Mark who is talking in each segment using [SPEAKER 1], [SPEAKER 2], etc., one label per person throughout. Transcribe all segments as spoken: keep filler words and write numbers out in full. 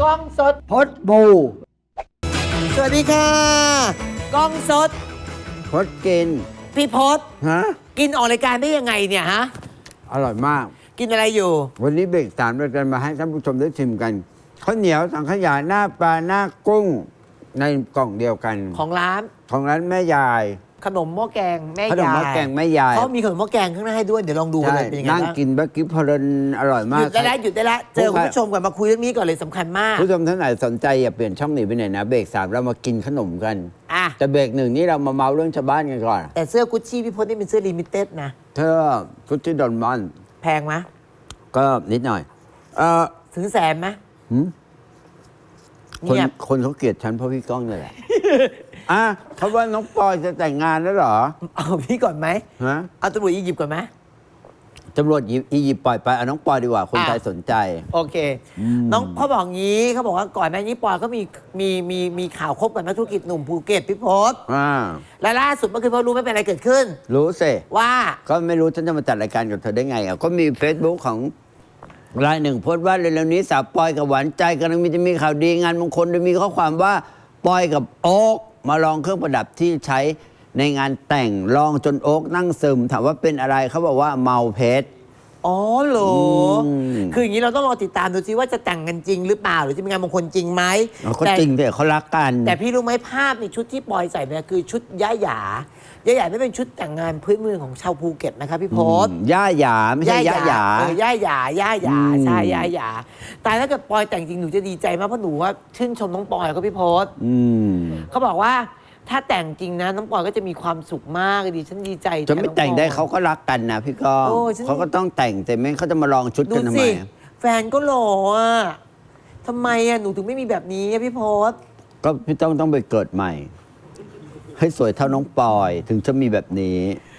[SPEAKER 1] กล้องสด
[SPEAKER 2] พดบู
[SPEAKER 1] สวัสดีค่ะกล้องสด
[SPEAKER 2] พดกิน
[SPEAKER 1] พี่พศ
[SPEAKER 2] ฮะ
[SPEAKER 1] กินออกรายการได้ยังไงเนี่ยฮะ
[SPEAKER 2] อร่อยมาก
[SPEAKER 1] กินอะไรอยู่
[SPEAKER 2] วันนี้เบรกสามเราจะมาให้ท่านผู้ชมได้ชิมกันข้าวเหนียวสังขยาหน้าปลาหน้ากุ้งในกล่องเดียวกัน
[SPEAKER 1] ของร้าน
[SPEAKER 2] ของร้านแม่ยาย
[SPEAKER 1] ขนมหม้อแกงแม่
[SPEAKER 2] ขนม
[SPEAKER 1] ยา
[SPEAKER 2] หม้อย แกงแม่ยาย
[SPEAKER 1] เขามีขนมหม้อแกงข้างหน้าให้ด้วยเดี๋ยวลองดูกัน
[SPEAKER 2] ใช่
[SPEAKER 1] เลยเป็นยังไง
[SPEAKER 2] นั่ง
[SPEAKER 1] บ้าง
[SPEAKER 2] กินเมื่อกี้เพลินอร่อยมา
[SPEAKER 1] ห
[SPEAKER 2] ก
[SPEAKER 1] ยุดได้แล้วหยุดได้แล้วเจอ
[SPEAKER 2] ผู้
[SPEAKER 1] คุณ
[SPEAKER 2] ชาย
[SPEAKER 1] ผู้ชมก่อนมาคุยเรื่องนี้ก่อนเลยสำคัญมาก
[SPEAKER 2] ผู้ชมท่านไหนสนใจอย่าเปลี่ยนช่องหนีไปไหนนะเบรกสามเรามากินขนมกัน
[SPEAKER 1] อ่ะ
[SPEAKER 2] แต่เบรกหนึ่งนี่เรามาเมาเรื่องชาวบ้านกันก่อน
[SPEAKER 1] แต่เสื้อกุชชี่พี่พศนี่เป็นเสื้อลิมิเต็ดนะ
[SPEAKER 2] เธอกุชิดอนมอน
[SPEAKER 1] แพงไหม
[SPEAKER 2] ก็นิดหน่อยเออ
[SPEAKER 1] ถึงแสนไหม
[SPEAKER 2] หืมคน
[SPEAKER 1] เงียบ
[SPEAKER 2] คนเขาเกลียดฉันเพราะพี่ก้องนี่แหละ อ่ะเขาว่าน้องปอยจะแต่งงานแล้วเหรอ
[SPEAKER 1] เอาพี่ก่อนไหม
[SPEAKER 2] ฮะ
[SPEAKER 1] เอาตำรวจอียิปต์ก่อนไหม
[SPEAKER 2] ตำรวจอียิปต์ปล่อยไปเอาน้องปอยดีกว่าคน
[SPEAKER 1] อ่ะ
[SPEAKER 2] ไทยสนใจ
[SPEAKER 1] โอเค
[SPEAKER 2] อืม
[SPEAKER 1] น้องเขาบอกงี้เขาบอกว่าก่อนหน้านี้ปอยก็มีมีมีมีข่าวคบกับนักธุรกิจหนุ่มภูเก็ตพี่พศ
[SPEAKER 2] อ่า
[SPEAKER 1] และล่าสุดเมื่อคืนพอรู้ไม่เป็นอะไรเกิดขึ้น
[SPEAKER 2] รู้สิ
[SPEAKER 1] ว่า
[SPEAKER 2] ก็ไม่รู้ฉันจะมาจัดรายการกับเธอได้ไงอ่ะก็มี Facebook ของรายหนึ่งโพสต์ว่าเร็วๆนี้สาวปอยกับหวานใจกำลังมีจะมีข่าวดีงานมงคลโดยมีข้อความว่าปอยกับโอ๊กมาลองเครื่องประดับที่ใช้ในงานแต่งลองจนโอ๊กนั่งซึมถามว่าเป็นอะไรเขาบอกว่าเมาเพชร
[SPEAKER 1] อ๋อเหรออ
[SPEAKER 2] ม
[SPEAKER 1] คืออย่างนี้เราต้องรอติดตามดูซิว่าจะแต่งกันจริงหรือเปล่าหรือจะมีงานมงคลจริงไหม
[SPEAKER 2] เขา
[SPEAKER 1] แต่
[SPEAKER 2] จริงแต่เขารักกัน
[SPEAKER 1] แต่พี่รู้ไหมภาพในชุดที่ปอยใส่เนี่ยคือชุดย่าหยาย่าหยาไม่เป็นชุดแต่งงานพื้นเมืองของชาวภูเก็ตนะครับพี่พศ
[SPEAKER 2] อืมย่าหยาไม่ใช่ย่าหยา
[SPEAKER 1] เออย่าหยาย่าหยา
[SPEAKER 2] อืม
[SPEAKER 1] ใช่ย่าหยาแต่ถ้าเกิดปอยแต่งจริงหนูจะดีใจมากเพราะหนูว่าชื่นชมน้องปอยก็พี่พศ
[SPEAKER 2] อืม
[SPEAKER 1] เขาบอกว่าถ้าแต่งจริงนะน้องปอยก็จะมีความสุขมากเลยดิฉันดีใจ
[SPEAKER 2] จะไม่
[SPEAKER 1] ทนน้อ
[SPEAKER 2] แต่งได้
[SPEAKER 1] ปอย
[SPEAKER 2] เขาก็รักกันนะพี่ก้อง
[SPEAKER 1] โอ้ฉัน
[SPEAKER 2] เขาก็ต้องแต่งแต่ไม่งั้นเขาจะมาลองชุด
[SPEAKER 1] ดู
[SPEAKER 2] กันทำไม
[SPEAKER 1] สิแฟนก็หล่ออ่ะทำไมอ่ะหนูถึงไม่มีแบบนี้อะพี่พศ
[SPEAKER 2] ก็พี่ต้องต้องไปเกิดใหม่ ให้สวยเท่าน้องปอยถึงจะมีแบบนี้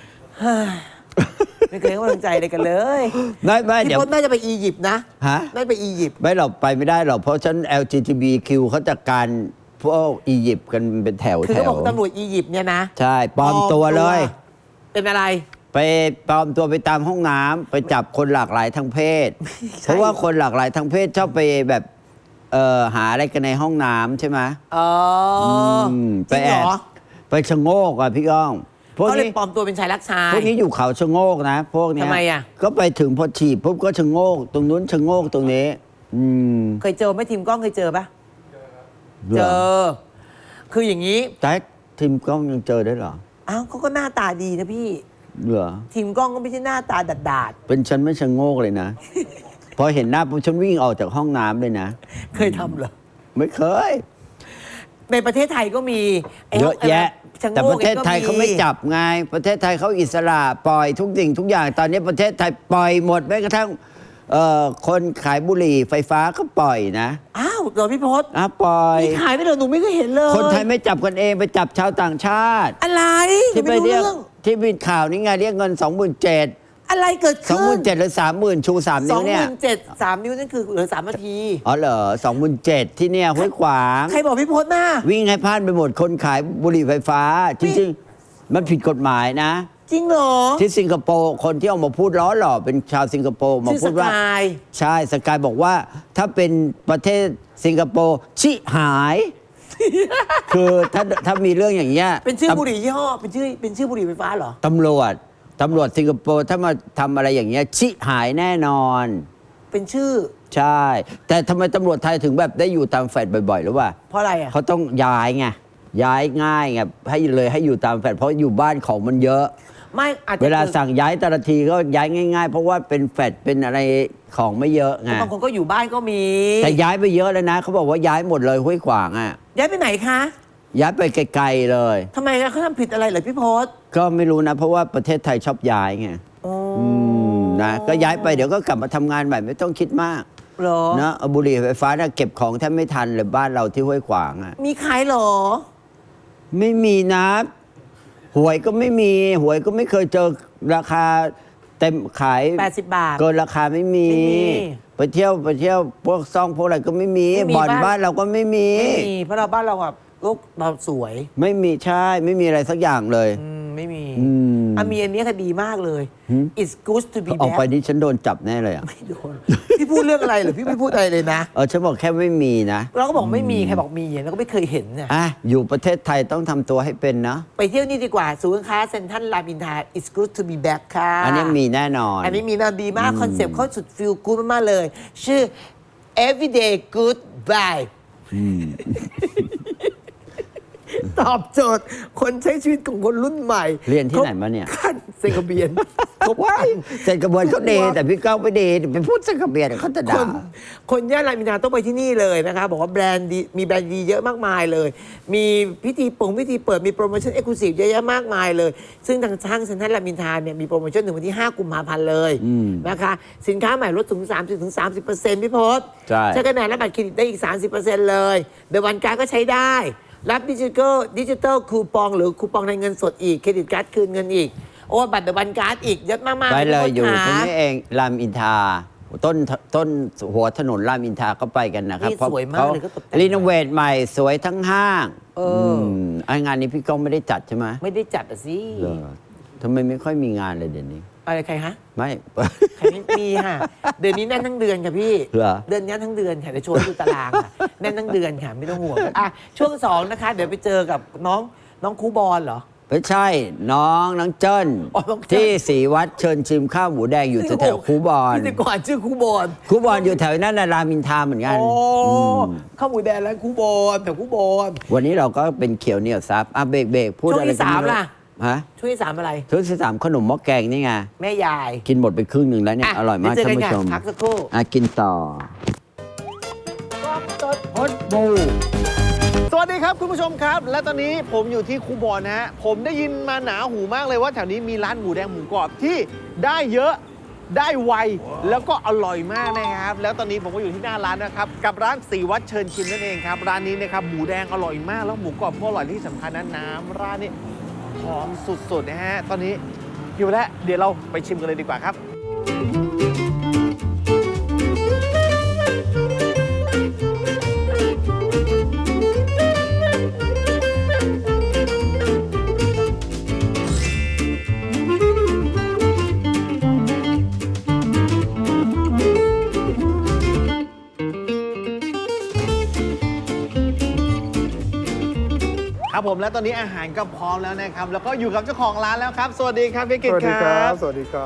[SPEAKER 1] ไม่เคยให้กำลังใจเลยกันเลย
[SPEAKER 2] ไม่ไม่
[SPEAKER 1] พี่
[SPEAKER 2] เดี๋ยว
[SPEAKER 1] พศน่าจะไปอียิปต์นะ
[SPEAKER 2] ฮะ
[SPEAKER 1] น่าจะไปอียิปต์
[SPEAKER 2] ไม่เราไปไม่ได้หรอกเพราะฉัน แอล จี บี ที คิว เขาจัดการพวกอียิปต์กันเป็นแถว
[SPEAKER 1] คือ
[SPEAKER 2] แถ
[SPEAKER 1] เขา
[SPEAKER 2] ว
[SPEAKER 1] บอกตำรวจอียิปต์เนี่ยนะ
[SPEAKER 2] ใช่ปลอมตัวเลย
[SPEAKER 1] เป็นอะไร
[SPEAKER 2] ไปปลอมตัวไปตามห้องน้ำไปจับคนหลากหลายทางเพศ
[SPEAKER 1] ใช่
[SPEAKER 2] เพราะว่าคนหลากหลายทางเพศชอบไปแบบเอ่อหาอะไรกันในห้องน้ำใช่ไหม
[SPEAKER 1] อ๋ออ
[SPEAKER 2] ม
[SPEAKER 1] จ
[SPEAKER 2] ไป
[SPEAKER 1] ริง
[SPEAKER 2] แอ
[SPEAKER 1] เหร
[SPEAKER 2] บ
[SPEAKER 1] อ
[SPEAKER 2] ไปชะโงกอ่ะพี่ก้อง พวก
[SPEAKER 1] เขาเลย
[SPEAKER 2] นี้
[SPEAKER 1] ปลอมตัวเป็นชายรักชาย
[SPEAKER 2] พวกนี้อยู่เขาชะโงกนะ พวกเนี้ย
[SPEAKER 1] ทำไมอ่ะ
[SPEAKER 2] ก็ไปถึงพอฉีดปุ๊บก็ชะโงก ตรงนู้นชะโงกตรงนี้ อืม
[SPEAKER 1] เคยเจอไหมทีมกล้องเคยเจอปะ
[SPEAKER 2] หร
[SPEAKER 1] เจอ คืออย่างนี้
[SPEAKER 2] แต่ทีมกล้องยังเจอได้เหรอ
[SPEAKER 1] อ้าวเขาก็หน้าตาดีนะพี่
[SPEAKER 2] เหรอ
[SPEAKER 1] ทีมกล้องก็ไม่ใช่หน้าตาดัดดาด
[SPEAKER 2] เป็นฉันไม่ชะโงกเลยนะ พอเห็นหน้าปุ๊บฉันวิ่งออกจากห้องน้ำเลยนะ
[SPEAKER 1] ๆเคยทำเหรอ
[SPEAKER 2] ไม่เคย
[SPEAKER 1] ในประเทศไทยก็มีไ
[SPEAKER 2] เยอะแยะ
[SPEAKER 1] ชะโงก
[SPEAKER 2] แต่ประเทศไทย
[SPEAKER 1] ก็
[SPEAKER 2] เขาไม่จับไง ประเทศไทยเขาอิสระปล่อยทุกสิ่งทุกอย่าง ตอนนี้ประเทศไทยปล่อยหมดแม้กระทั่งเอ่อคนขายบุหรี่ไฟฟ้าก็ปล่อยนะ
[SPEAKER 1] อ้าวเหรอพี่พศ
[SPEAKER 2] อ่ะปล่อย
[SPEAKER 1] มีขายด้วยเหรอหนูไม่เคยเห็นเลย
[SPEAKER 2] คนไทยไม่จับกันเองไปจับชาวต่างชาติ
[SPEAKER 1] อะไรหนู
[SPEAKER 2] ที่ไป
[SPEAKER 1] ไม่รู้
[SPEAKER 2] เรียก
[SPEAKER 1] เรื่อง
[SPEAKER 2] ที่มีข่าวนี่ไงเรียกเงินสองหมื่นเจ็ด
[SPEAKER 1] อะไรเกิด
[SPEAKER 2] สอง
[SPEAKER 1] ขึ้
[SPEAKER 2] หมื่
[SPEAKER 1] น
[SPEAKER 2] นเจ็ดหรือสามหมื่นชูสาม
[SPEAKER 1] ส
[SPEAKER 2] นิ้
[SPEAKER 1] อ
[SPEAKER 2] ว
[SPEAKER 1] งห
[SPEAKER 2] เนี่ย
[SPEAKER 1] มื่นเจ็ดสามนิ้วนั่นคือเหลือสามนาที
[SPEAKER 2] อ๋อเหรอสองหมื่นเจ็ดที่เนี่ยห้วยขวาง
[SPEAKER 1] ใครบอกพี่พศน่ะ
[SPEAKER 2] วิ่งให้พลาดไปหมดคนขายบุหรี่ไฟฟ้า จริงๆ มันผิดกฎหมายนะ
[SPEAKER 1] จริงเหรอ
[SPEAKER 2] ที่สิงคโปร์คนที่ออกมาพูดล้อหล่อเป็นชาวสิงคโปร์มา
[SPEAKER 1] ชื่อ
[SPEAKER 2] พู
[SPEAKER 1] ส
[SPEAKER 2] ดว่า
[SPEAKER 1] กาย
[SPEAKER 2] ใช่สกายบอกว่าถ้าเป็นประเทศสิงคโปร์ชิหาย คือถ้าถ้ามีเรื่องอย่างเงี้ย
[SPEAKER 1] เป็นชื่อ
[SPEAKER 2] ตำ
[SPEAKER 1] บุหรี่ยี่ห้อเป็นชื่อเป็นชื่อบุหรี่ไฟฟ้าเหรอ
[SPEAKER 2] ตำรวจตำรวจสิงคโปร์ถ้ามาทำอะไรอย่างเงี้ยชิหายแน่นอน
[SPEAKER 1] เป็นชื่อ
[SPEAKER 2] ใช่ แต่ทำไมตำรวจไทยถึงแบบได้อยู่ตามแฟลตบ่อยๆหรือว่า
[SPEAKER 1] เพราะอะไรอ่ะ
[SPEAKER 2] เขาต้องย้ายไงย้ายง่ายไงให้เลยให้อยู่ตามแฟลตเพราะอยู่บ้านของมันเยอะ
[SPEAKER 1] ไม่อาจจะ
[SPEAKER 2] เวลาสั่งย้ายแต่ละทีก็ย้ายง่ายๆ เพราะว่าเป็นแฟลตเป็นอะไรของไม่เยอะไง
[SPEAKER 1] บางคนก็อยู่บ้านก็มี
[SPEAKER 2] แต่ย้ายไปเยอะแล้วนะเขาบอกว่าย้ายหมดเลยห้วยขวางอ่ะ
[SPEAKER 1] ย้ายไปไหนคะ
[SPEAKER 2] ย้ายไปไกลๆเลย
[SPEAKER 1] ทำไมคะเขาทำผิดอะไรเหรอพี่พศ
[SPEAKER 2] ก็ไม่รู้นะ เพราะว่าประเทศไทยชอบย้ายไง
[SPEAKER 1] อ๋อ
[SPEAKER 2] อืมนะก็ย้ายไปเดี๋ยวก็กลับมาทำงานใหม่ไม่ต้องคิดมาก
[SPEAKER 1] เหรอ
[SPEAKER 2] นะเอาบุหรี่ไฟฟ้าน่ะเก็บของแทบไม่ทันเลยบ้านเราที่ห้วยขวางอ่ะ
[SPEAKER 1] มีขายเหรอ
[SPEAKER 2] ไม่มีนะหวยก็ไม่มีหวยก็ไม่เคยเจอราคาเต็มขาย
[SPEAKER 1] แปดสิบบาท
[SPEAKER 2] เกินราคาไม่มี
[SPEAKER 1] ไม่มี
[SPEAKER 2] ไปเที่ยวไปเที่ยวพวกซ่องพวกอะไรก็ไม่มี
[SPEAKER 1] ไม่มี
[SPEAKER 2] บ่อน
[SPEAKER 1] บ้าน
[SPEAKER 2] บ้านเราก็ไม่มี
[SPEAKER 1] ไม่มีเพราะเราบ้านเราแบบโลกเราสวย
[SPEAKER 2] ไม่มีใช่ไม่มีอะไรสักอย่างเลย
[SPEAKER 1] อืมไม่มี
[SPEAKER 2] อืม
[SPEAKER 1] อ่ะมีอันเนี้ยค่ะดีมากเลย
[SPEAKER 2] หืม
[SPEAKER 1] it's good to be
[SPEAKER 2] ออก
[SPEAKER 1] back
[SPEAKER 2] ไปนี่ฉันโดนจับแน่เลยอ่ะ
[SPEAKER 1] ไม่โดนพี่พูดเรื่องอะไรเหรอพี่ไม่พูดอะไรเลยนะ
[SPEAKER 2] เออฉันบอกแค่ไม่มีนะ
[SPEAKER 1] เราก็บอกไม่มีใครบอกมีเราก็ไม่เคยเห็นเนี่ย
[SPEAKER 2] อ่ะอยู่ประเทศไทยต้องทำตัวให้เป็นนะ
[SPEAKER 1] ไปเที่ยวนี่ดีกว่าศูนย์การค้าเซ็นทรัลรามอินทรา it's good to be back ค่ะ
[SPEAKER 2] อันนี้มีแน่นอน
[SPEAKER 1] อันนี้มีนาดีมากคอนเซปต์เขาสุดฟิลกู๊ดมากๆเลย ชื่อ everyday good bye ตอบโจทย์คนใช้ชีวิตของคนรุ่นใหม่
[SPEAKER 2] เรียนที่ไหนมาเนี่ย
[SPEAKER 1] ขั้นเซกเบียนเขา
[SPEAKER 2] ว้ายเสร็จกระบวนเขาดีแต่พี่ก้าวไม่ดีไปพูดสักกระเบียนเขาจะ
[SPEAKER 1] ค
[SPEAKER 2] ด่า
[SPEAKER 1] นคนย่านรามอินทราต้องไปที่นี่เลยนะคะบอกว่าแบรนด์ดีมีแบรนด์ดีเยอะมากมายเลย มีพิธีปงพิธีเปิดมีโปรโมชั่นเอ็กซ์คลูซีฟเยอะแยะมากมายเลย ซึ่งทางช่างเซ็นทรัลรามอินทราเนี่ยมีโปรโมชั่นถึงวันที่ห้ากุมภาพันธ์เลย
[SPEAKER 2] อืม
[SPEAKER 1] นะคะสินค้าใหม่ลดถึง สามสิบถึงสามสิบเปอร์เซ็นต์ พี่พศ
[SPEAKER 2] ใช่
[SPEAKER 1] ใช้คะแนนและบัตรเครดิตได้อีก สามสิบเปอร์เซ็นต์ เลยเดวันการ์ดก็ใช้ได้ รับดิจิทัลดิจิทัลคูปองหรือคูปองในเงินสดอีกเครดิตการ์ดคืนเงินอีก โอ้บัตรเดวันการ์ดอีกเยอะมากๆ
[SPEAKER 2] ไปเลยอยู่
[SPEAKER 1] พี่พศ
[SPEAKER 2] ตรง
[SPEAKER 1] ขา
[SPEAKER 2] นี้เองรามอินทราต้นต้นหัวถนนรามอินทราก็ไปกันนะครับ
[SPEAKER 1] นี่
[SPEAKER 2] เพราะ
[SPEAKER 1] สวยมาก
[SPEAKER 2] เขา
[SPEAKER 1] เลยก็ตกแต่ง
[SPEAKER 2] รีโนเวทใหม่สวยทั้งห้าง
[SPEAKER 1] เอออื
[SPEAKER 2] มไองานนี้พี่ก้องไม่ได้จัดใช่ไหม
[SPEAKER 1] ไม่ได้จัดอะสิ
[SPEAKER 2] เหรอทำไมไม่ค่อยมีงานเลยเดี๋ยวนี้
[SPEAKER 1] อะไรใครฮะ
[SPEAKER 2] ไม่
[SPEAKER 1] ใครไม่มีค่ะ เดือนนี้แน่นทั้งเดือนค่ะพี่
[SPEAKER 2] เหรอ
[SPEAKER 1] เดือนนี้ทั้งเดือนค่ะเดี๋ยวโชว์ให้ดูตารางค่ะแน่นทั้งเดือนค่ะไม่ต้องห่วงอ่ะช่วงสองนะคะ เดี๋ยวไปเจอกับน้องน้องครูบอลเหรอ
[SPEAKER 2] ไม่ใช่น้องน้องเจิ้น
[SPEAKER 1] อ๋อน้องเจิ้น
[SPEAKER 2] ที่ศรีวัดเชิญชิมข้าวหมูแดงอยู่แถวๆคูบอล
[SPEAKER 1] พิธีกรชื่อครูบอล
[SPEAKER 2] คูบอลอยู่แถวนั้นนะรามอินทราเหมือนกัน
[SPEAKER 1] โอ้
[SPEAKER 2] ม
[SPEAKER 1] ข้าวหมูแดงแล้วครูบอลแต่ครูบอล
[SPEAKER 2] วันนี้เราก็เป็นเขียวเหนียวซับอ่ะเบรกเบรกพูด
[SPEAKER 1] ช่วง
[SPEAKER 2] อะไร
[SPEAKER 1] ที่
[SPEAKER 2] กัน
[SPEAKER 1] สาม
[SPEAKER 2] ไรู้
[SPEAKER 1] ล่ะ
[SPEAKER 2] ฮะ
[SPEAKER 1] ช่วงที่สามอะไร
[SPEAKER 2] ช่วงที่สามขนมหม้อแกงนี่ไง
[SPEAKER 1] แม่ยาย
[SPEAKER 2] กินหมดไปครึ่งหนึ่งแล้วเนี่ย
[SPEAKER 1] อ่ะ
[SPEAKER 2] อร่อยมาก
[SPEAKER 1] เดี๋ยวเจอ
[SPEAKER 2] ท่าน
[SPEAKER 1] กัน
[SPEAKER 2] ผู้ชม
[SPEAKER 1] ค่ะพักสักครู่
[SPEAKER 2] อ่ะกินต่อ
[SPEAKER 1] พดบู
[SPEAKER 3] สวัสดีครับคุณผู้ชมครับ และตอนนี้ผมอยู่ที่คูบอนนะฮะผมได้ยินมาหนาหูมากเลยว่าแถวนี้มีร้านหมูแดงหมูกรอบที่ได้เยอะได้ไวแล้วก็อร่อยมากนะครับ แล้วตอนนี้ผมก็อยู่ที่หน้าร้านนะครับกับร้านศรีวัดเชิญชิมนั่นเองครับร้านนี้นะครับหมูแดงอร่อยมากแล้วหมูกรอบก็อร่อยที่สำคัญนะน้ำร้านนี้หอมสุดๆนะฮะตอนนี้หิวแล้วเดี๋ยวเราไปชิมกันเลยดีกว่าครับ ครับผมและตอนนี้อาหารก็พร้อมแล้วนะครับ แล้วก็อยู่กับเจ้าของร้านแล้วครับ สวัสดีครับพี่กิต
[SPEAKER 4] สวัส
[SPEAKER 3] ค
[SPEAKER 4] ดีค
[SPEAKER 3] รั
[SPEAKER 4] รับ บ สวัสดีครับ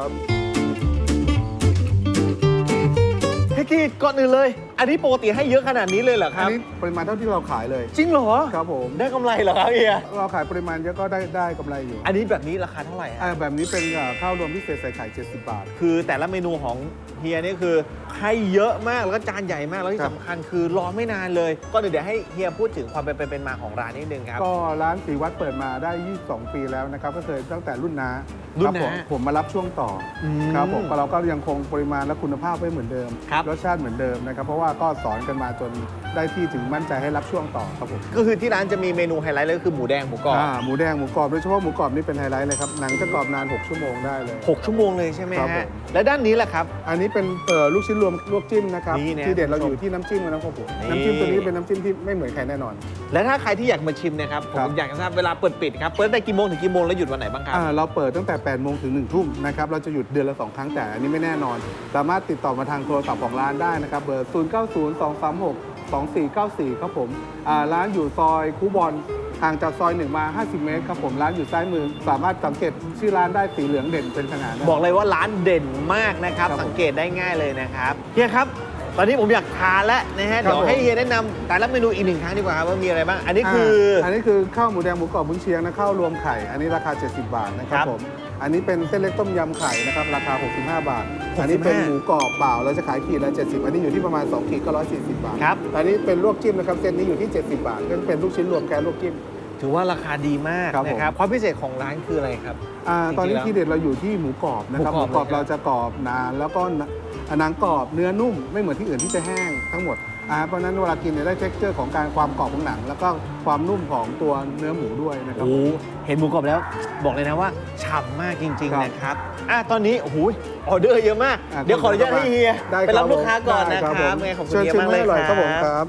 [SPEAKER 3] พี่กิตก่อนอื่นเลย อันนี้ปกติให้เยอะขนาดนี้เลยเหรอค
[SPEAKER 4] อัน
[SPEAKER 3] รับ
[SPEAKER 4] นี้ปริมาณเท่าที่เราขายเลย
[SPEAKER 3] จริงเหรอ
[SPEAKER 4] ครับผม
[SPEAKER 3] ได้กำไรเหรอครับเฮีย
[SPEAKER 4] เราขายปริมาณเยอะก็ได้ได้กำไรอยู่
[SPEAKER 3] อันนี้แบบนี้ราคาเท่าไหร่ฮะ
[SPEAKER 4] อ่าแบบนี้เป็นอ่าข้าวรวมพิเศษใส่ไข่เจ็ดสิบบาท
[SPEAKER 3] คือแต่ละเมนูของเฮียนี่คือให้เยอะมากแล้วก็จานใหญ่มากแล้วที่
[SPEAKER 4] ครับ
[SPEAKER 3] สำคัญคือรอไม่นานเลย ก็เดี๋ยวให้เฮียพูดถึงความเป็นไปเป็นมาของร้านนิดนึงครับ
[SPEAKER 4] ก็ร้านศรีวัดเปิดมาได้ ยี่สิบสอง ปีแล้วนะครับ ก็เคยตั้งแต่รุ่นน้า
[SPEAKER 3] รุ่น
[SPEAKER 4] คบผม
[SPEAKER 3] น้า
[SPEAKER 4] ผมมารับช่วงต่ออ
[SPEAKER 3] ม
[SPEAKER 4] ครับผมเราก็ยังคงปริมาณและคุณภาพไว้เหมือนเดิม
[SPEAKER 3] ครับ
[SPEAKER 4] รสชาติเหมือนเดิมนะครับ เพราะว่าก็สอนกันมาจนได้ที่ถึงมั่นใจให้รับช่วงต่อครับผม
[SPEAKER 3] ก็คือที่ร้านจะมีเมนูไฮไลท์เลยก็คือหมูแดงหมูกรอบ
[SPEAKER 4] อ่าหมูแดงหมูกรอบโดยเฉพาะหมูกรอบนี่เป็นไฮไลท์เลยครับหนังจะกรอบนานหกชั่วโมงได้เลย
[SPEAKER 3] หกชั่วโมงเลยใช่ไหม
[SPEAKER 4] ครับผ
[SPEAKER 3] ฮะ
[SPEAKER 4] ม
[SPEAKER 3] และด้านนี้แหละครับ
[SPEAKER 4] อันนี้เป็นเอ่อลูกชิ้นรวมลวกจิ้มนะครับ
[SPEAKER 3] นี่นะ
[SPEAKER 4] ที่เด็ดเรา
[SPEAKER 3] คุณ
[SPEAKER 4] อ
[SPEAKER 3] ผู้ชม
[SPEAKER 4] ยู่ที่น้ำจิ้มนะครับผม
[SPEAKER 3] นี่
[SPEAKER 4] น้ำจิ้มตัวนี้เป็นน้ำจิ้มที่ไม่เหมือนใครแน่นอน
[SPEAKER 3] และถ้าใครที่อยากมาชิมนะครับผ
[SPEAKER 4] ครั
[SPEAKER 3] ม
[SPEAKER 4] บ
[SPEAKER 3] อยากจะทราบเวลาเปิดปิดครับเปิดได้กี่โมงถึงกี่โมงแล้วหยุดวันไหนบ้างครับ
[SPEAKER 4] อ่าเราเปิดตั้งแต่แปดโมงถึงหนึ่งทุ่มนะครับเราจะหยุดเดือนละสองครั้งแต่อันนี้ไม่แน่นอน สามารถติดต่อมาทางโทรศัพท์ของร้านได้นะครับเบอร์ศูนย์ เก้า ศูนย์ สอง สาม หก สอง สี่ เก้า สี่ครับผมอ่าร้านอยู่ซอยคูบอลห่างจากซอยหนึ่งมาห้าสิบเมตรครับผมร้านอยู่ซ้ายมือ สามารถสังเกตชื่อร้านได้สีเหลืองเด่นเป็นสง่าได้
[SPEAKER 3] บอกเลยว่าร้านเด่นมากนะครับ
[SPEAKER 4] ครับผม
[SPEAKER 3] สังเกตได้ง่ายเลยนะครับเฮียครับ ตอนนี้ผมอยากทานแล้วนะฮะ
[SPEAKER 4] ครับ
[SPEAKER 3] เดี๋ยวให้
[SPEAKER 4] ผม
[SPEAKER 3] เฮียแนะนำแต่ละเมนูอีกหนึ่งครั้งดีกว่าครับว่ามีอะไรบ้าง อันนี้คืออ
[SPEAKER 4] อันนี้คือข้าวหมูแดงหมูกรอบบุญเชียงนะข้าวรวมไข่ อันนี้ราคา เจ็ดสิบบาทนะครับ
[SPEAKER 3] ครับ
[SPEAKER 4] ผมอันนี้เป็นเส้นเล็กต้มยำไข่นะครับราคา หกสิบห้า บาท
[SPEAKER 3] หกสิบห้า
[SPEAKER 4] อันนี้เป็นหมูกรอบเปล่าเราจะขายขีดละเจ็ดสิบอันนี้อยู่ที่ประมาณสองขีดก็ร้อยสี่สิบบาท
[SPEAKER 3] ครับ
[SPEAKER 4] อันนี้เป็นลวกจิ้มนะครับเส้นนี้อยู่ที่เจ็ดสิบบาทก็เป็นลูกชิ้นรวมแกงลวกจิ้ม
[SPEAKER 3] ถือว่าราคาดีมาก
[SPEAKER 4] ครับผม
[SPEAKER 3] นะครับความพิเศษของร้านคืออะไรครับ
[SPEAKER 4] อ่าตอนนี้
[SPEAKER 3] จริงๆแล้ว
[SPEAKER 4] ที่เด็ดเราอยู่ที่หมูกรอบนะครับ
[SPEAKER 3] ห
[SPEAKER 4] ห
[SPEAKER 3] มู
[SPEAKER 4] มู
[SPEAKER 3] ก
[SPEAKER 4] ก
[SPEAKER 3] ร
[SPEAKER 4] ร
[SPEAKER 3] อ
[SPEAKER 4] อ
[SPEAKER 3] บบ เลย
[SPEAKER 4] เราจะกรอบนานแล้วก็หนังกรอบเนื้อนุ่มไม่เหมือนที่อื่นที่จะแห้งทั้งหมดอ่าเพราะฉะนั้นเวลากินเนี่ยได้เท็กเจอร์ของการความกรอบของหนัง แล้วก็ความนุ่มของตัวเนื้อหมูด้วยนะครับ
[SPEAKER 3] โอ้เห็นหมูกรอบแล้วบอกเลยนะว่าฉ่ำมากจริง
[SPEAKER 4] ครับ
[SPEAKER 3] ๆนะครับอ่ะตอนนี้โอ้โหออเดอร์เยอะมาก
[SPEAKER 4] อ่ะ
[SPEAKER 3] เดี๋ยวขออนุญาตให้เฮีย
[SPEAKER 4] ได้
[SPEAKER 3] ไปรับ
[SPEAKER 4] ผม
[SPEAKER 3] ลูกค้าก่อนนะ
[SPEAKER 4] ได้
[SPEAKER 3] ครับ
[SPEAKER 4] ผม
[SPEAKER 3] ไงขอบคุณ
[SPEAKER 4] เชิญ
[SPEAKER 3] เฮีย
[SPEAKER 4] ชิม
[SPEAKER 3] มากเล
[SPEAKER 4] ให้
[SPEAKER 3] ย
[SPEAKER 4] อร่อย
[SPEAKER 3] ค
[SPEAKER 4] ค
[SPEAKER 3] รั
[SPEAKER 4] รั
[SPEAKER 3] บบ
[SPEAKER 4] ผมครับ
[SPEAKER 3] ค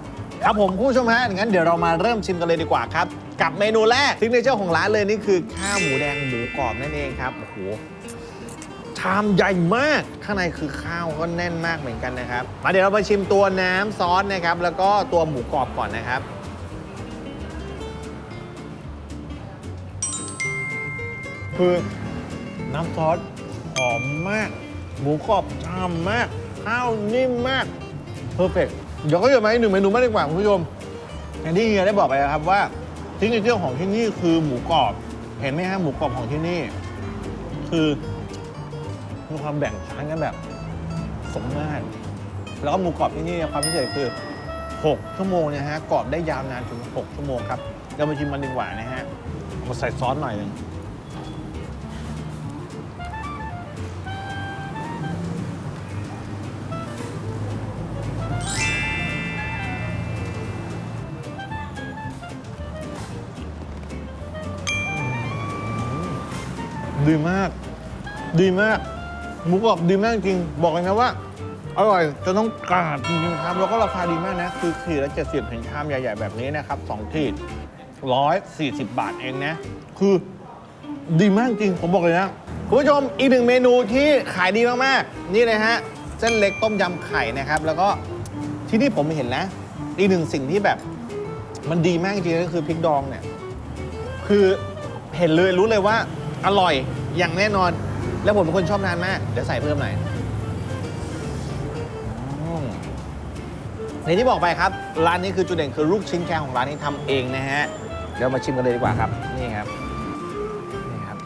[SPEAKER 3] ครับผมคุณผู้ชมฮะงั้นเดี๋ยวเรามาเริ่มชิมกันเลยดีกว่าครับกับเมนูแรกซิกเนเจอร์ของร้านเลยนี่คือข้าวหมูแดงหมูกรอบนั่นเองครับโอ้โหชามใหญ่มากข้างในคือข้าวก็แน่นมากเหมือนกันนะครับมาเดี๋ยวเรามาชิมตัวน้ำซอสนะครับแล้วก็ตัวหมูกรอบก่อนนะครับคือน้ำซอสหอมมากหมูกรอบชามมากข้าวนิ่มมากเพอร์เฟกต์เดี๋ยวก็จะมาอีกหนึ่งเมนูมากดีกว่าคุณผู้ชมอย่างที่เฮียได้บอกไปครับว่าซิกเนเจอร์ของที่นี่คือหมูกรอบเห็นไหมฮะหมูกรอบของที่นี่คือมีความแบ่งชั้นกันแบบสมมาตรแล้วก็หมูกรอบที่นี่ความพิเศษคือหกชั่วโมงเนี่ยฮะกรอบได้ยาวนานถึงหกชั่วโมงครับเรามาชิมมันดีกว่านะฮะมาใส่ซอสหน่อยหนึงดีมากดีมากหมูกรอบดีมากจริงบอกเลยนะว่าอร่อยจะต้องกราดจริงๆครับแล้วก็ราคาดีมากนะคือขีดละเจ็ดสิบเห็นชามใหญ่ๆแบบนี้นะครับสองขีดร้อยสี่สิบบาทเองนะคือดีมากจริงผมบอกเลยนะคุณผู้ชมอีกหนึ่งเมนูที่ขายดีมากๆนี่เลยฮะเส้นเล็กต้มยำไข่นะครับแล้วก็ที่นี่ผมเห็นนะอีกหนึ่งสิ่งที่แบบมันดีมากจริงๆก็คือพริกดองเนี่ยคือเห็นเลยรู้เลยว่าอร่อยอย่างแน่นอนแล้วผมเป็นคนชอบทานมากเดี๋ยวใส่เพิ่มหน่อยอืมในที่บอกไปครับร้านนี้คือจุดเด่นคือลูกชิ้นแกงของร้านนี้ทำเองนะฮะเดี๋ยวมาชิมกันเลยดีกว่าครับนี่ครับนี่ครับ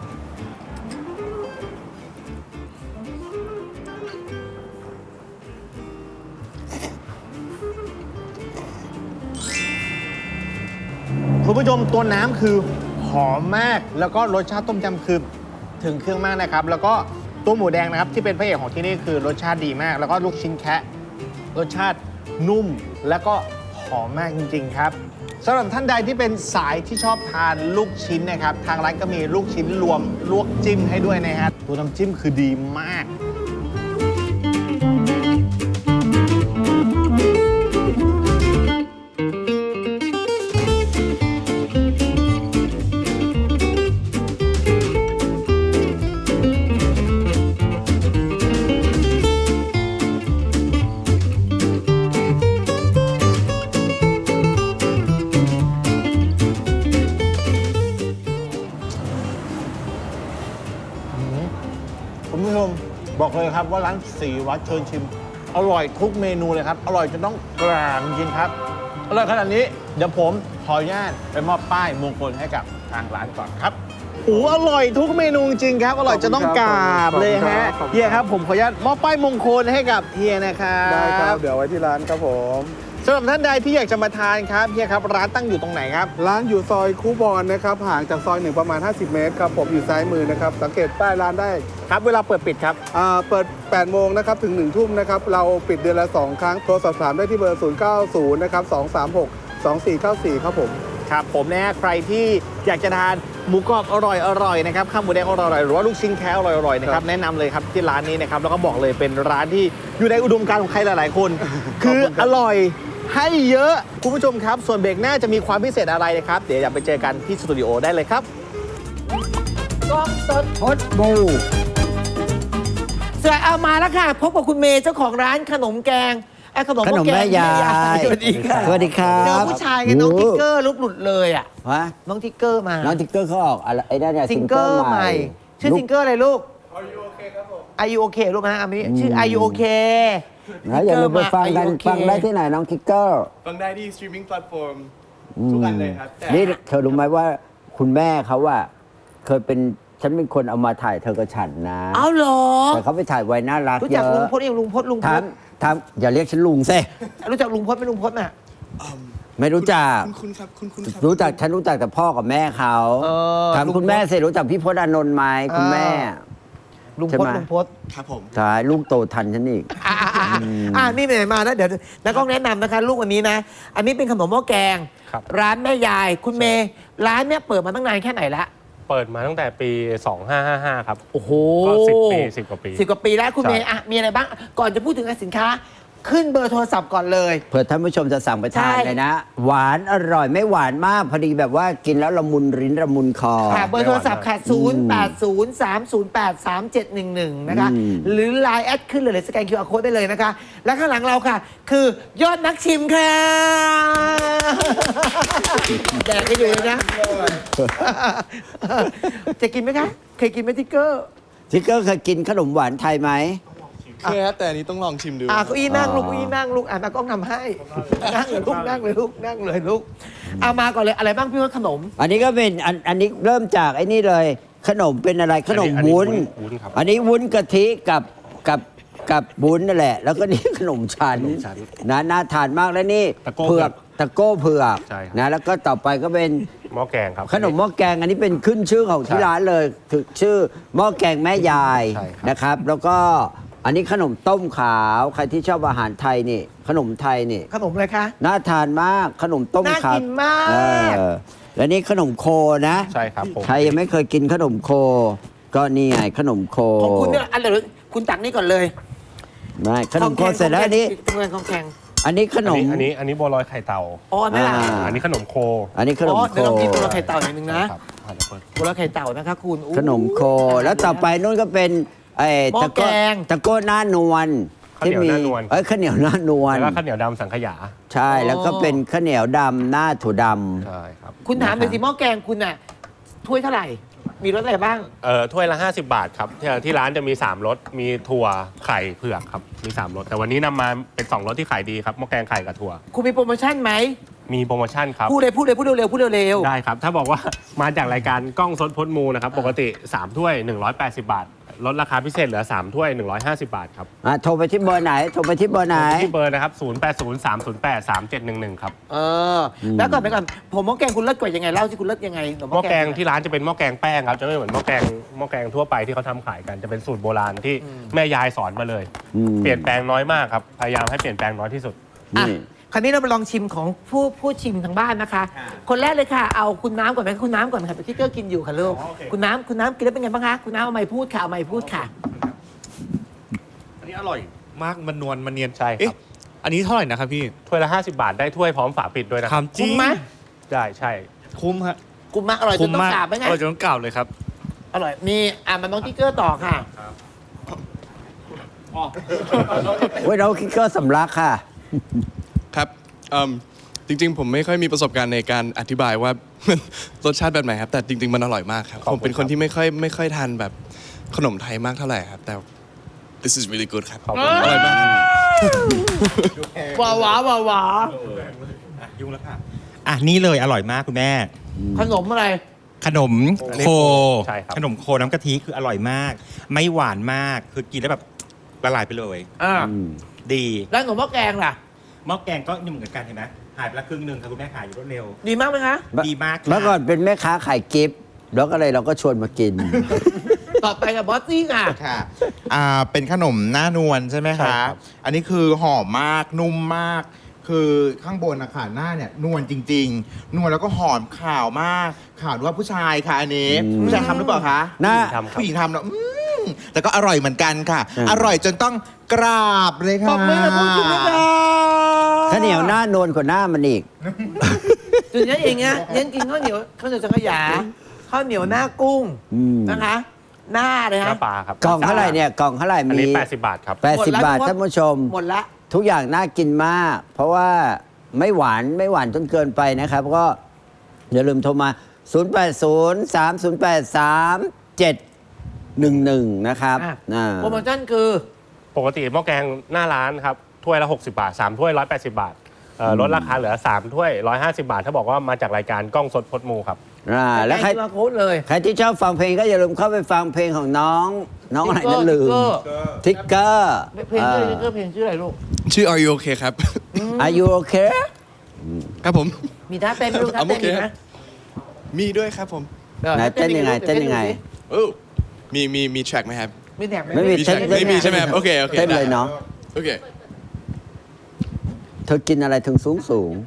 [SPEAKER 3] คุณผู้ชมตัวน้ำคือหอมมากแล้วก็รสชาติต้มยำคือถึงเครื่องมากนะครับแล้วก็ตัวหมูแดงนะครับที่เป็นพระเอกของที่นี่คือรสชาติดีมากแล้วก็ลูกชิ้นแคะรสชาตินุ่มแล้วก็หอมมากจริงๆครับสำหรับท่านใดที่เป็นสายที่ชอบทานลูกชิ้นนะครับทางร้านก็มีลูกชิ้นรวมลวกจิ้มให้ด้วยนะฮะตัวน้ำจิ้มคือดีมากคุณผู้ชมบอกเลยครับว่าร้านสีวัดเชิญชิมอร่อยทุกเมนูเลยครับอร่อยจนต้องกราบจริงๆครับอร่อยขนาดนี้เดี๋ยวผมขออนุญาตไปมอบป้ายมงคลให้กับทางร้านก่อนครับโอ้อร่อยทุกเมนูจริงครับอร่อยจนต้องกราบเลยฮะเฮียครับผมขออนุญาตมอบป้ายมงคลให้กับเฮียนะครับ
[SPEAKER 4] ได้ครับเดี๋ยวไว้ที่ร้านครับผม
[SPEAKER 3] สำหรับท่านใดที่อยากจะมาทานครับเฮียครับร้านตั้งอยู่ตรงไหนครับ
[SPEAKER 4] ร้านอยู่ซอยคูบอนนะครับห่างจากซอยหนึ่งประมาณห้าสิบเมตรครับผมอยู่ซ้ายมือนะครับสังเกตป้ายร้านได้
[SPEAKER 3] ครับเวลาเปิดปิดครับ
[SPEAKER 4] อ่าเปิดแปดโมงนะครับถึงหนึ่งทุ่มนะครับเราปิดเดือนละสองครั้งโทรสอบถามได้ที่เบอร์ศูนย์ เก้า ศูนย์นะครับสอง สาม หก สอง สี่ เก้า สี่ครับผม
[SPEAKER 3] ครับผมนะฮะใครที่อยากจะทานหมูกรอบอร่อยอร่อยนะครับข้าวหมูแดงอร่อยหรือว่าลูกชิ้นแคะอร่อยอร่อยนะครับแนะนำเลยครับที่ร้านนี้นะครับแล้วก็บอกเลยเป็นร้านที่อยู่ในอุดมการณ์ของใครหลายๆคน คืออร่อยให้เยอะคุณผู้ชมครับส่วนเบรกหน้าจะมีความพิเศษอะไรนะครับเดี๋ยวอย่าไปเจอกันที่สตูดิโอได้เลยครับ
[SPEAKER 1] กล้องสด
[SPEAKER 2] พดบู
[SPEAKER 1] เสือเอามาแล้วค่ะพบกับคุณเมย์เจ้าของร้านขนมแกงไอ้ขนม
[SPEAKER 2] ขนม
[SPEAKER 1] แกง
[SPEAKER 2] แม่ยาย
[SPEAKER 1] สวัสดีค่ะ
[SPEAKER 2] สวัสดีครับ
[SPEAKER 1] เจอผู้ชายไงน้องทิกเกอร์ลุกหลุดเลยอ่ะ
[SPEAKER 2] ฮะ
[SPEAKER 1] น้องทิกเกอร์มา
[SPEAKER 2] น้องทิกเกอร์เขาออกอะไรไอ้นั่นเนี่ย
[SPEAKER 1] ซิงเกอร์ใหม่ชื่อซิงเกอร์อะไรลูก
[SPEAKER 4] Are you okay ครับผม
[SPEAKER 1] Are you okay ลูกนะอามิชื่อ Are you okay
[SPEAKER 2] นะอย่าลืมไปฟังกันฟังได้ที่ไหนน้องทิกเกอร์
[SPEAKER 5] ฟังได้ที่ streaming platform ทุกอันเลยครับแต่
[SPEAKER 2] นี่เธอรู้ไหมว่าคุณแม่เขาว่าเคยเป็นฉันเป็นคนเอามาถ่ายเธอกับฉันนะ
[SPEAKER 1] เอาเหรอ
[SPEAKER 2] แต่เขาไปถ่ายไว้น่ารัก
[SPEAKER 1] รู้
[SPEAKER 2] เย
[SPEAKER 1] จัก
[SPEAKER 2] อะ
[SPEAKER 1] ลุงพจน์ยังลุงพจน์ลุงพ
[SPEAKER 2] ถา
[SPEAKER 1] จ
[SPEAKER 2] ม
[SPEAKER 1] น์
[SPEAKER 2] ถามอย่าเรียกฉันลุงซิ
[SPEAKER 1] รู้จักลุงพจน์ไหมลุงพจน์น่ะ
[SPEAKER 2] ไม่รู้จัก
[SPEAKER 5] คุณคุณครับคุณคุณครับ
[SPEAKER 2] รู้จักฉันรู้จักแต่พ่อกับแม่เขา
[SPEAKER 1] เออ
[SPEAKER 2] ถามคุณแม่สิรู้จักพี่พจน์อานนท์ไหมคุณแม่
[SPEAKER 1] ลุง
[SPEAKER 2] ใช่
[SPEAKER 1] พจ
[SPEAKER 2] ไหม
[SPEAKER 1] น์ลุงพจน์
[SPEAKER 5] ครับผม
[SPEAKER 2] ใช่ลูกโตทันฉันอีก
[SPEAKER 1] อ่าอ่าอ่าอ่านี่ไหนมาแล้วเดี๋ยวนักกล้องแนะนำนะคะลูกวันนี้นะ อันนี้เป็นขนมหม้อแกง
[SPEAKER 6] ครับ
[SPEAKER 1] ร้านแม่ยายคุณเมย์ร้านเนี้ยเปิดมาตั้งนานแค่ไหนละ
[SPEAKER 6] เปิดมาตั้งแต่ปี สองพันห้าร้อยห้าสิบห้า ครับ
[SPEAKER 1] โอ้โห
[SPEAKER 6] ก็สิบปีสิบกว่าปี
[SPEAKER 1] สิบกว่าปีแล้วคุณเมย์
[SPEAKER 6] ใช่
[SPEAKER 1] อ่ะมีอะไรบ้าง ก่อนจะพูดถึงสินค้าขึ้นเบอร์โทรศัพท์ก่อนเลย
[SPEAKER 2] เผื่อท่านผู้ชมจะสั่งไปทาน
[SPEAKER 1] ใช่
[SPEAKER 2] เลยนะ หวานอร่อยไม่หวานมาก พอดีแบบว่ากินแล้วละมุนลิ้นละมุนคอ
[SPEAKER 1] ค่ะเบอร์โทรศัพท์ค่ะ ศูนย์ แปด ศูนย์ สาม ศูนย์ แปด สาม เจ็ด หนึ่ง หนึ่ง นะคะ
[SPEAKER 2] อืม
[SPEAKER 1] หรือ ไลน์ แอดขึ้นเลยหรือสแกน คิว อาร์ Code ได้เลยนะคะ และข้างหลังเราค่ะ คือยอดนักชิมค่ะ แดกกันอยู่เลยนะ จะกินไหมคะ เคยกินไหมทิกเกอร์
[SPEAKER 2] ทิกเกอร์เคยกินขนมหวานไทยไหม
[SPEAKER 5] เคยครับแต่อันนี้ต้องลองชิมดู
[SPEAKER 1] อ่ะเก้าอี้นั่งลูก
[SPEAKER 2] อ๋อ
[SPEAKER 1] เก้าอี้นั่งลูกอ่ะตากล้องทำให้ นั่งเลยลูกนั่งเลยลูกนั่งเลยลูกเอามาก่อนเลยอะไรบ้างพี่ว่าขนม
[SPEAKER 2] อันนี้ก็เป็นอันอันนี้เริ่มจากไอ้นี่เลย ขนมเป็นอะไรขนม
[SPEAKER 6] อันนี้
[SPEAKER 2] วุ้น
[SPEAKER 6] วุ้นครับ
[SPEAKER 2] อันนี้วุ้นกะทิกับกับกับวุ้นนั่นแหละ แล้วก็นี่ขนมชั้น
[SPEAKER 6] ขนมชั้น
[SPEAKER 2] นะน่าทานมากแล้วนี่
[SPEAKER 6] ตะโก้
[SPEAKER 2] เผือก
[SPEAKER 6] เผือก
[SPEAKER 2] ตะโก้เผือก
[SPEAKER 6] ใช่ครับ
[SPEAKER 2] นะแล้วก็ต่อไปก็เป็น
[SPEAKER 6] หม้อแกงครับ
[SPEAKER 2] ขนมหม้อแกงอันนี้เป็นขึ้นชื่อของที่
[SPEAKER 6] ใช่
[SPEAKER 2] ร้านเลยคือชื่อหม้อแกงแม่ยาย
[SPEAKER 6] ใช่ครับ
[SPEAKER 2] นะครับ แล้วก็อันนี้ขนมต้มขาวใครที่ชอบอาหารไทยนี่ ขนมไทยนี่
[SPEAKER 1] ขนมอะไรคะ
[SPEAKER 2] น่าทานมากขนมต้ม
[SPEAKER 1] น่า
[SPEAKER 2] ขาว
[SPEAKER 1] กินมาก
[SPEAKER 2] เออแล้วนี่ขนมโคนะ
[SPEAKER 6] ใช่ครับผม
[SPEAKER 2] ใครยังไม่เคยกินขนมโค ก็นี่ไงขนมโค
[SPEAKER 1] ของคุณเนี่ยอันเดี๋ยวคุณตักนี่ก่อนเลย
[SPEAKER 2] ไม่ขนมโคเสร็จแล้วอันนี้
[SPEAKER 1] ทำงานของแข่ง
[SPEAKER 2] อันนี้ข
[SPEAKER 6] อัน
[SPEAKER 2] นม
[SPEAKER 6] นี้อันนี้อันนี้บัวลอยไข่เต่า
[SPEAKER 1] อ๋อนั่นแหละ
[SPEAKER 2] อ่า
[SPEAKER 6] อันนี้ขนมโค
[SPEAKER 2] อันนี้ขน
[SPEAKER 1] อ๋
[SPEAKER 2] ม
[SPEAKER 1] อ
[SPEAKER 2] โค
[SPEAKER 1] เดี๋ยวเรากินบัวลอยไข่เต่าหน่อยหนึงนะ
[SPEAKER 6] ครับอ่ะเดี๋ยวเปิด
[SPEAKER 1] บัวลอยไข่เต่านะคะคุณอู้
[SPEAKER 2] ขนมโค แล้วต่อไปนู่นก็เป็นไอ้
[SPEAKER 1] หม้อ
[SPEAKER 2] ตะโก้
[SPEAKER 1] แกง
[SPEAKER 2] ตะโก้หน้านวล
[SPEAKER 6] ข้าวเหนียวหน้านวล
[SPEAKER 2] เอ้ยข้าวเหนียวหน้านวล
[SPEAKER 6] แล้วก็ข้าวเหนียวดำสังขยา
[SPEAKER 2] ใช่แล้วก็เป็นข้าวเหนียวดำหน้าถั่วด
[SPEAKER 6] ใช่ครับ
[SPEAKER 1] คุณถามเลยสิหม้อแกงคุณน่ะถ้วยเท่าไหร่ มีรสอะไรบ้าง
[SPEAKER 6] เอ่อถ้วยละ ห้าสิบบาทครับที่ที่ร้านจะมีสามรสมีถั่วไข่เผือกครับมีสามรสแต่วันนี้นำมาเป็นสองรสที่ขายดีครับหม้อแกงไข่กับถั่ว
[SPEAKER 1] คุณมีโปรโมชั่นไหม
[SPEAKER 6] มีโปรโมชั่นครับ
[SPEAKER 1] พูดเลยพูดเลยพูดเร็วๆพูดเร็ว
[SPEAKER 6] ได้ครับ ถ้าบอกว่า มาจากรายการกล้องสดพดมูนะครับ ปกติ สาม ถ้วย หนึ่งร้อยแปดสิบบาท ลดราคาพิเศษเหลือ สาม ถ้วย หนึ่งร้อยห้าสิบบาทครับ
[SPEAKER 2] ำอ่ะโทรไปที่เบอร์ไหน โทรไปที่เบอร์ไหน
[SPEAKER 6] ที่เบอร์นะครับ ศูนย์ แปด ศูนย์ สาม ศูนย์ แปด สาม เจ็ด หนึ่ง หนึ่ง ครับ
[SPEAKER 1] ๆเออแล้วก่อนไปก่อนผมหม้อแกงคุณเลิศกว่ายังไงเล่าที่คุณเลิศยังไงห
[SPEAKER 6] หม้อแกงที่ร้านจะเป็นหม้อแกงแป้งครับ จะไม่เหมือนหม้อแกงหม้อแกงทั่วไปที่เขาทำขายกัน จะเป็นสูตรโบราณที่แม่ยายสอนมาเลย
[SPEAKER 2] อืม
[SPEAKER 6] เปลี่ยนแปลงน้อยมากครับ พยายามให้เปลี่ยนแปลงน้อยที่สุด
[SPEAKER 1] อ่ะ
[SPEAKER 2] นี่
[SPEAKER 1] คราวนี้เรามาลองชิมของผู้ผู้ชิมทางบ้านนะคะ คนแรกเลยค่ะเอาคุณน้ำก่อนไหมคุณน้ำก่อนค่ะพี่ทิกเกอร์กินอยู่ค่ะลูกคุณน้ำคุณน้ำกินแล้วเป็นไงบ้างคะคุณน้ำเอาไม้พูดค่ะเอาไม้พูดค่ะ
[SPEAKER 7] อันนี้อร่อยมากมันนวลมันเนียน
[SPEAKER 6] ใช่ครับ
[SPEAKER 7] เอ๊ะอันนี้เท่าไหร่นะครับพี่
[SPEAKER 6] ถ้วยละ ห้าสิบบาท ได้ถ้วยพร้อมฝาปิดด้วยนะค
[SPEAKER 7] ถา
[SPEAKER 6] รับ
[SPEAKER 7] มจริ
[SPEAKER 1] คุ้
[SPEAKER 7] ง
[SPEAKER 1] มไหม
[SPEAKER 6] ได้ใช่
[SPEAKER 7] คุ้มฮะ
[SPEAKER 1] คุ้มมากอร่อยจ
[SPEAKER 7] คุ้
[SPEAKER 1] น
[SPEAKER 7] ม
[SPEAKER 1] ต้อง
[SPEAKER 7] มาก
[SPEAKER 1] กราบไหมไง
[SPEAKER 7] อร่อยจนต้องกล่าวเลยครับ
[SPEAKER 1] อร่อยมีอ่ะมันน้องทิกเกอร์ต่อค่ะ
[SPEAKER 2] เว้ยเราคิดก็สำลักค่ะ
[SPEAKER 5] ครับเอิ่มจริงๆ ผมไม่ค่อยมีประสบการณ์ในการอธิบายว่า รสชาติแบบไหนครับ แต่จริงๆ มันอร่อยมากครับ
[SPEAKER 6] ขอบ
[SPEAKER 5] ผ
[SPEAKER 6] คุณ
[SPEAKER 5] มเป็นคนที่ไม่ค่อยไม่ค่อยทานแบบขนมไทยมากเท่าไหร่ครับ แต่ this is really good ครับ
[SPEAKER 6] ขอบคุณ
[SPEAKER 5] อร่อยมากครับ
[SPEAKER 1] ว้าวว้าวว้าวว้าว
[SPEAKER 7] อ่ะ ยุ่งแล้วค่ะ อ่ะ นี่เลยอร่อยมากคุณแม่
[SPEAKER 1] ขนมอะไร
[SPEAKER 7] ขนมโค
[SPEAKER 6] ใช่ครับ
[SPEAKER 7] ขนมโคน้ำกะทิคืออร่อยมาก ไม่หวานมาก คือกินแล้วแบบละลายไปเลย
[SPEAKER 1] อ่า
[SPEAKER 7] ดี
[SPEAKER 1] แล้วขนมหม้อแกงล่ะ
[SPEAKER 7] หม้อแกงก็นี่เหมือนกันเห็นไหมหายไปละครึ่งหนึ่งค่ะคุณแม่ขายอยู่รวดเร็ว
[SPEAKER 1] ดีมากไหมคะ
[SPEAKER 7] ดีมากค่ะ
[SPEAKER 2] เมื่อก่อนเป็นแม่ค้าขายกิฟต์แล้วก็เลยเราก็ชวนมากิน
[SPEAKER 1] ต่อไปกับบอสซี่ค่ะ
[SPEAKER 8] ค่ะอ่าเป็นขนมหน้านวลใช่ไหม
[SPEAKER 6] ใช่
[SPEAKER 8] คะ
[SPEAKER 6] ครับ
[SPEAKER 8] อันนี้คือหอมมาก นุ่มมาก คือข้างบนอะค่ะหน้าเนี่ยนวลจริง ๆ นวลแล้วก็หอมข่าวมาก ข่าวว่าผู้ชายค่ะอันนี้
[SPEAKER 2] อืม
[SPEAKER 8] ผู้ชายทำหรือเปล่าคะ
[SPEAKER 2] หน้า
[SPEAKER 6] ทำครับ
[SPEAKER 8] ผู้หญิงทำเนาะอืมแต่ก็อร่อยเหมือนกันค่ะ
[SPEAKER 2] อืม
[SPEAKER 8] อร่อยจนต้องกราบเลย
[SPEAKER 1] ป
[SPEAKER 8] ค่ะ
[SPEAKER 1] อบมือกับผู้ชิมนะคะ
[SPEAKER 2] ข้าวเหนียวหน้านวลกว่าหน้ามันอีก
[SPEAKER 1] จุดนี้เองเนี่ยเน้นกินข้าวเหนียวข้าวเหนียวสังขยาข้าวเหนียวหน้ากุ้ง
[SPEAKER 2] อืม
[SPEAKER 1] นะคะ หน้าเลย
[SPEAKER 6] ห
[SPEAKER 1] ฮะ
[SPEAKER 6] น้าปลาครับ
[SPEAKER 2] กล่องเท่าไหร่เนี่ยกล่องเท่าไหร่
[SPEAKER 6] อัน
[SPEAKER 2] มี
[SPEAKER 6] นี้ แปดสิบบาทครับ
[SPEAKER 2] แปดสิบ
[SPEAKER 1] หมดแล้ว
[SPEAKER 2] บาท
[SPEAKER 1] ทุกคน
[SPEAKER 2] ท่านผู้ชม
[SPEAKER 1] หมดละ
[SPEAKER 2] ทุกอย่างน่ากินมาก เพราะว่าไม่หวานไม่หวานจนเกินไปนะครับ ก็อย่าลืมโทรมา ศูนย์ แปด ศูนย์ สาม ศูนย์ แปด สาม เจ็ด หนึ่ง หนึ่ง นะครับ
[SPEAKER 1] อ่ะ
[SPEAKER 2] อ่า
[SPEAKER 1] โปรโมชั่นคือ
[SPEAKER 6] ปกติหม้อแกงหน้าร้านครับถ้วยละ หกสิบบาท สาม ถ้วย หนึ่งร้อยแปดสิบบาทเอ่อลดราคาเหลือ สาม ถ้วย หนึ่งร้อยห้าสิบบาท ถ้าบอกว่ามาจากรายการกล้องสดพดมูครับ
[SPEAKER 2] อ่าแล้วใคร
[SPEAKER 1] มาโค้ดเลย
[SPEAKER 2] ใครที่ชอบฟังเพลงก็อย่าลืมเข้าไปฟังเพลงของน้อง น้องอะไรนั่นลืม
[SPEAKER 1] ทิกเกอร์
[SPEAKER 2] ทิกเกอร์
[SPEAKER 1] เพลงชื่อทิกเกอร์เพลงชื่ออะไรลูก
[SPEAKER 5] ชื่อ Are you okay ครับ
[SPEAKER 2] อายุโอเค
[SPEAKER 5] ครับผม
[SPEAKER 1] มีท่าเต้นไหมลูกท่าเต้นมีไหม
[SPEAKER 5] มีด้วยครับผม
[SPEAKER 1] ออ
[SPEAKER 2] ไหนเต้นยังไงเต้นยังไง
[SPEAKER 5] โอ้มีมีมี track ไหมครับ
[SPEAKER 1] มีแถบไหม
[SPEAKER 2] ไม่มี
[SPEAKER 5] มี
[SPEAKER 2] เต้น
[SPEAKER 5] ไม่มีใช่ไหมครับโอเคโอเค
[SPEAKER 2] เต้นเลย
[SPEAKER 5] ได้
[SPEAKER 2] เนาะ
[SPEAKER 5] โอเค
[SPEAKER 2] เธอกินอะไรถึงสูงสูง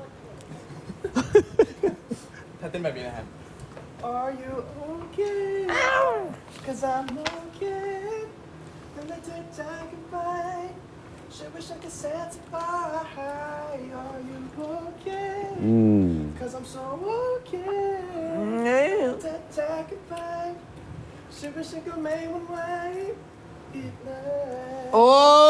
[SPEAKER 5] ถ้าเต้นแบบนี้นะครับ Are you okay cause I'm okay ตั้งแต่เธอจากกันไป
[SPEAKER 9] ฉันว่าฉันแค่ satisfied are you okay
[SPEAKER 2] อืม
[SPEAKER 9] cause I'm so okay เธอจากกันไปฉันว่าฉันก็ไม่หวั่นไหวอีกเลย
[SPEAKER 1] โอ้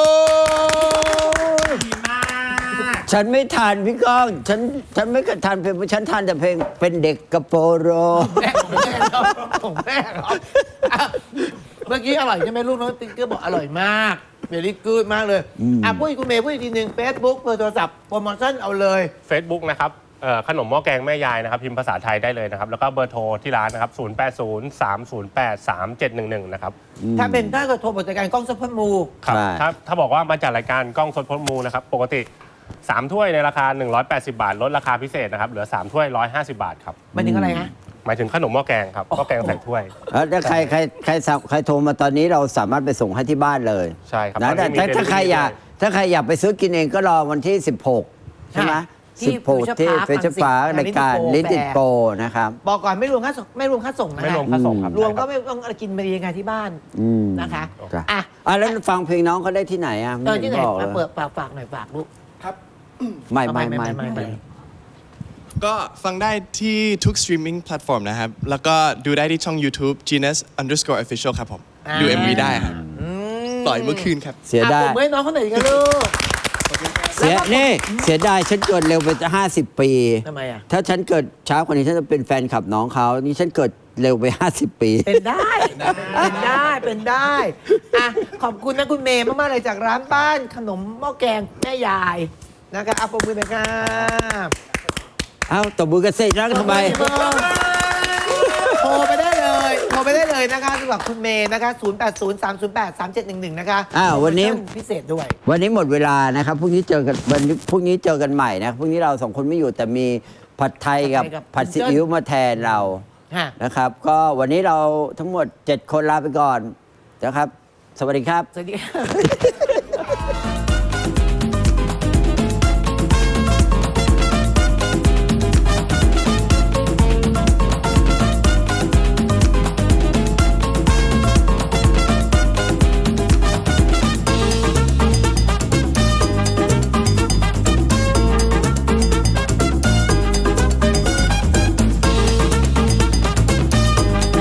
[SPEAKER 1] ย
[SPEAKER 2] ฉันไม่ทานพี่ก้อง ฉันฉันไม่เคยทานเพลงฉันทานแต่เพลงเป็นเด็กกระโปโร
[SPEAKER 1] แม่ของแม่ครับของแม่ครับอ่ะเมื่อกี้อร่อยใช่ไหมลูกน้องติ๊กเกอร์บอกอร่อยมากเบลลี่กูดมากเลยอ่ะพูดอีกคุณเมย์พูดอีกทีหนึ่งเฟซบุ๊กเบอร์โทรศัพท์โปรโมชั่นเอาเลย
[SPEAKER 6] Facebook นะครับเอ่อขนมหม้อแกงแม่ยายนะครับพิมพ์ภาษาไทยได้เลยนะครับ แล้วก็เบอร์โทรที่ร้านนะครับ ศูนย์ แปด ศูนย์ สาม ศูนย์ แปด สาม เจ็ด หนึ่ง หนึ่ง นะครับ
[SPEAKER 1] ถ้าเป็นถ้าเกิดโทรบริการกล้องซัพพอร์ตมู
[SPEAKER 6] ครับ
[SPEAKER 2] ใช่
[SPEAKER 6] ถ้าถ้าบอกว่ามาจากรายการกล้องสดพดมูนะครับ ปกติ สาม ถ้วยในราคา หนึ่งร้อยแปดสิบ บาท ลดราคาพิเศษนะครับ เหลือ สาม ถ้วย หนึ่งร้อยห้าสิบ บาทครับ
[SPEAKER 1] หมายถึงอะไรฮะ
[SPEAKER 6] หมายถึงขนมหม้อแกงครับหม้อแกงใส่ถ้วย
[SPEAKER 2] แล้วถ้าใครใครใครสับใครโทรมาตอนนี้เราสามารถไปส่งให้ที่บ้านเลย
[SPEAKER 6] ใช่ครับ
[SPEAKER 2] นะ
[SPEAKER 6] ตอนนี้
[SPEAKER 2] แต่
[SPEAKER 6] มี
[SPEAKER 2] ถ้าถ้าใคร
[SPEAKER 6] delivery
[SPEAKER 2] อยาก
[SPEAKER 6] ด้วย
[SPEAKER 2] ถ้าใครอยากไปซื้อกินเองก็รอวันที่ สิบหก ใช่ไหม
[SPEAKER 1] ที่
[SPEAKER 2] สิบหก
[SPEAKER 1] Future
[SPEAKER 2] ที่
[SPEAKER 1] Park
[SPEAKER 2] เฟเจอร์พาร์
[SPEAKER 1] รังสิต
[SPEAKER 2] รายการ
[SPEAKER 1] ลิ้
[SPEAKER 2] ลิ้
[SPEAKER 1] น
[SPEAKER 2] น
[SPEAKER 1] ติ
[SPEAKER 2] ติ
[SPEAKER 1] ด
[SPEAKER 2] ด
[SPEAKER 1] โป
[SPEAKER 2] โป
[SPEAKER 1] ร
[SPEAKER 2] นะครับ
[SPEAKER 1] บอกก่อนไม่รวมค่าส่งไม่รวมค่าส่งนะ
[SPEAKER 6] ไม่รวม
[SPEAKER 1] ฮะ
[SPEAKER 6] ค่าส่งครับ
[SPEAKER 1] รวมก็
[SPEAKER 6] ใช่ครับ
[SPEAKER 1] ไม่ต้องกินไปยังไงที่บ้าน
[SPEAKER 2] อืม
[SPEAKER 1] นะคะ
[SPEAKER 2] จ้ะ
[SPEAKER 1] อ่ะ
[SPEAKER 2] อ่ะแล้วฟังเพลงน้องเขาได้ที่ไหนอ่ะ
[SPEAKER 1] เออที่ไหน
[SPEAKER 2] บอกเล
[SPEAKER 1] มาย เปิดฝากฝากหน่อยฝากลูก
[SPEAKER 2] ไม่
[SPEAKER 1] เอา
[SPEAKER 2] ไม่
[SPEAKER 1] ไม่
[SPEAKER 2] ไม่
[SPEAKER 1] ไม่ไม่
[SPEAKER 2] ไม่
[SPEAKER 1] ไม่
[SPEAKER 5] ก็ฟังได้ที่ทุก streaming platform นะครับ แล้วก็ดูได้ที่ช่อง YouTube Genius underscore official ครับผม ดู เอ็ม วี ได้ครับปล่อยเมื่อคืนครับ
[SPEAKER 2] เสียดาย
[SPEAKER 1] อ่ะผมให้น้องเขาหน่อยกันลูก
[SPEAKER 2] เสียนี่เสียดายฉันเกิดเร็วไปห้าสิบปี
[SPEAKER 1] ทำไมอ่ะ
[SPEAKER 2] ถ้าฉันเกิดช้ากว่านี้ฉันจะเป็นแฟนคลับน้องเขานี่ฉันเกิดเร็วไปห้าสิบปี
[SPEAKER 1] เป็นได้ เป็นได้ เป็นได้อ่ะขอบคุณนะคุณเมย์มาก ๆ เลยจากร้านบ้านขนมหม้อแกงแม่ยายนะคะเอาปรบมือไปครับ
[SPEAKER 2] เอ้าตบมือกันเสร็จแล้วทำไม
[SPEAKER 1] โทรไปได้เลย โทรไปได้เลยนะคะสำหรับคุณเมย์นะคะ ศูนย์ แปด ศูนย์ สาม ศูนย์ แปด สาม เจ็ด หนึ่ง หนึ่ง นะคะ
[SPEAKER 2] อ้าววันนี้
[SPEAKER 1] โปรโมชั่พิเศษด้วย
[SPEAKER 2] วันนี้หมดเวลานะครับพรุ่งนี้เจอกันวันนี้พรุ่งนี้เจอกันใหม่นะพรุ่งนี้เราสองคนไม่อยู่แต่มีผัดไทยกับ
[SPEAKER 1] ผัดไทยกับ
[SPEAKER 2] ผัดซีอิ๊วมาแทนเรา
[SPEAKER 1] ฮะ
[SPEAKER 2] นะครับ ก็วันนี้เราทั้งหมดเจ็ดคนลาไปก่อนนะครับ สวัสดีครับ
[SPEAKER 1] สวัสดีครับ